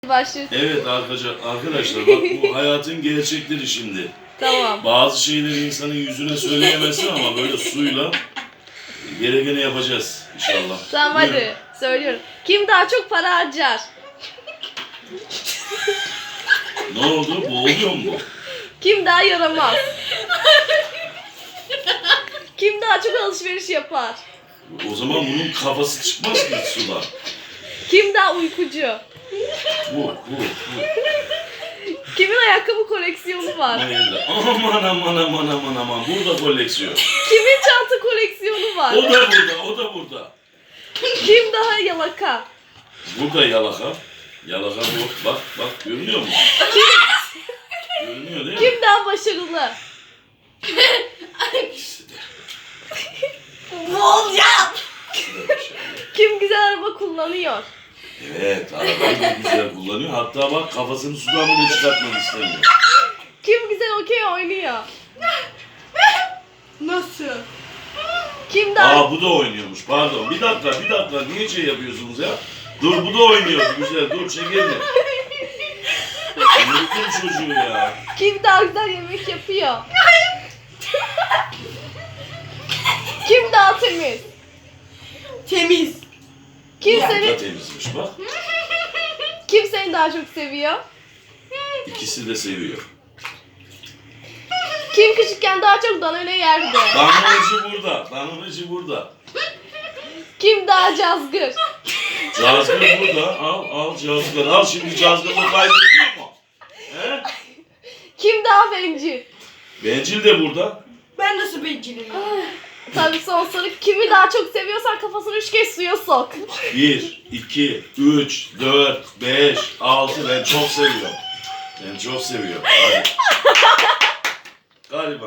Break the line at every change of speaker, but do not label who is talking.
Başlıyorsun.
Evet arkadaşlar bak bu hayatın gerçekleri şimdi.
Tamam.
Bazı şeyleri insanın yüzüne söyleyemezsin ama böyle suyla gerekeni yapacağız inşallah.
Tamam
Buyurun.
hadi söylüyorum. Kim daha çok para harcar?
Ne oldu? Boğuluyor mu bu?
Kim daha yaramaz? Kim daha çok alışveriş yapar?
O zaman bunun kafası çıkmaz ki sudan.
Kim daha uykucu?
Bu.
Kimin ayakkabı koleksiyonu var?
Hayırlı. Aman. Burada koleksiyon.
Kimin çanta koleksiyonu var?
O da burada.
Kim daha yalaka?
Burada yalaka. Yalaka bu. Bak görünüyor mu? Görünüyor değil mi?
Kim daha başarılı?
İkisi de.
Olacağım.
İkisi de başarılı.
Kim güzel araba kullanıyor?
Evet, arabayı da güzel kullanıyor. Hatta bak kafasını sudan bile çıkartmak istemiyor.
Kim güzel okey oynuyor?
Nasıl?
Kim daha...
Bu da oynuyormuş. Pardon. Bir dakika. Niye şey yapıyorsunuz ya? Dur bu da oynuyor. Güzel. Dur çekelim. Unuttum çocuğu ya.
Kim daha güzel yemek yapıyor? Kim daha temiz?
Temiz.
Kim
Bu da
seni
temizmiş bak.
kim seni daha çok seviyor?
İkisi de seviyor.
Kim küçükken daha çok danone yerdi?
Danonacı burada.
Kim daha cazgır?
Cazgır burada. Al cazgır. Al şimdi cazgırla kaydediyor mu? He?
Kim daha bencil?
Bencil de burada.
Ben nasıl bencilim?
Tabii son soru. Kimi daha çok seviyorsan kafasını 3 kez suya sok.
1, 2, 3, 4, 5, 6. Ben çok seviyorum. Hadi.